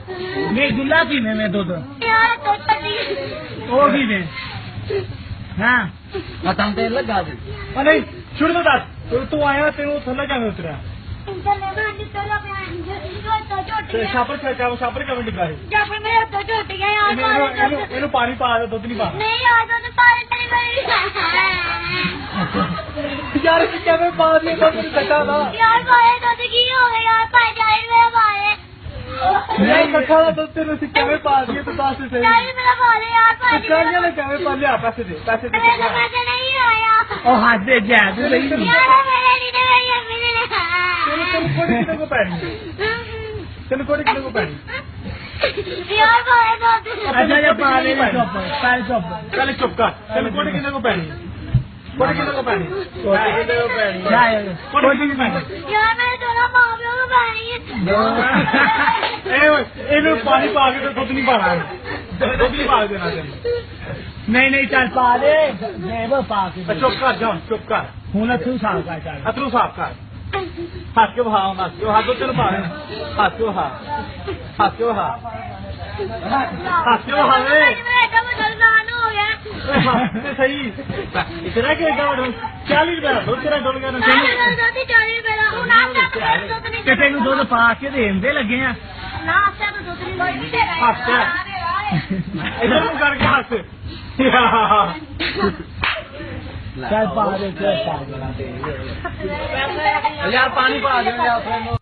नहीं दुल्ला पीने में दुध वो भी में हाँ खत्म तेल लगा दे अरे शुरू तो दस तू आया तेरे थल्ला क्या उतरा छापर छापर क्या डिब्बा है ਇਹਨੂੰ ਪਾਣੀ ਪਾ ਦੇ ਦੁੱਧ ਨਹੀਂ ਪਾ ਯਾਰ ਕੀ ਕਿਵੇਂ ਪਾ ਦੇ ਦੁੱਧ ਨਹੀਂ ਕੱਟਾ ਦਾ ਯਾਰ ਪਾਏ ਦੁੱਧ ਕੀ ਹੋ ਗਿਆ ਯਾਰ ਪਾਏ ਜਾਈ ਮੇਰੇ ਪਾਏ ਨਹੀਂ ਕੱਟਾ ਦਾ ਦੁੱਧ ਤੈਨੂੰ ਅਸੀਂ ਕਿਵੇਂ ਪਾ ਦਈਏ ਤੂੰ ਦੱਸ ਸਹੀ ਜਾਈ ਮੇਰਾ ਪਾਲੇ ਯਾਰ ਪਾਏ ਚੱਲ ਜਾ ਕਿਵੇਂ ਪਾ ਲਿਆ ਪੈਸੇ ਦੇ ਮੇਰੇ ਪੈਸੇ ਨਹੀਂ ਆਇਆ ਉਹ ਹੱਥ ਦੇ ਜਾ ਤੂੰ ਨਹੀਂ ਯਾਰ ਮੇਰੇ ਨਹੀਂ ਦੇ ਮੇਰੇ ਨੇ ਤੈਨੂੰ ਕੋੜੀ ਕਿਤੇ ਕੋ ਪੈਣੀ ਤੈਨੂੰ ਕੋੜੀ ਕਿਤੇ ਕੋ ਪੈਣੀ ਯਾਰ ਪਾਏ ਦੁੱਧ अच्छा जब पा ले चुप पहले चुप पहले चुप कर चल कोड़ी कितने को पहनी कोड़ी कितने को पहनी कोड़ी कितने को पहनी कोड़ी कितने को पहनी यार मैं दोनों माँ बाप को पानी ਇਹਨੂੰ ਪਾਣੀ ਪਾ ਕੇ ਤੇ ਦੁੱਧ ਨਹੀਂ ਪਾਣਾ ਦੁੱਧ ਨਹੀਂ ਪਾ ਦੇਣਾ ਤੈਨੂੰ ਨਹੀਂ ਚੱਲ ਪਾ ਦੇ ਦੇਵ ਪਾ ਕੇ ਚੁੱਪ ਕਰ ਜਾ ਚੁੱਪ ਕਰ ਹੁਣ ਅਥਰੂ ਸਾਫ ਕਰ ਚੱਲ ਅਥਰੂ ਸਾਫ ਕਰ ਹੱਥ ਕੇ ਵਹਾ ਉਹਨਾਂ ਹੱਥ ਉੱਤੇ ਨੂੰ ਪਾ ਦੇ ਹੱਥ ਕੇ ਵਹਾ ਹੱਥ ਕੇ ਵਹਾ ਹੱਥ ਕੇ ਵਹਾ ਵੇ सही इतना क्या डॉलर 40 रुपया दो तेरा डॉलर का तेन दुध पा के देंदे लगे हैं इधर करके हस चल पा दे यार पानी पा दे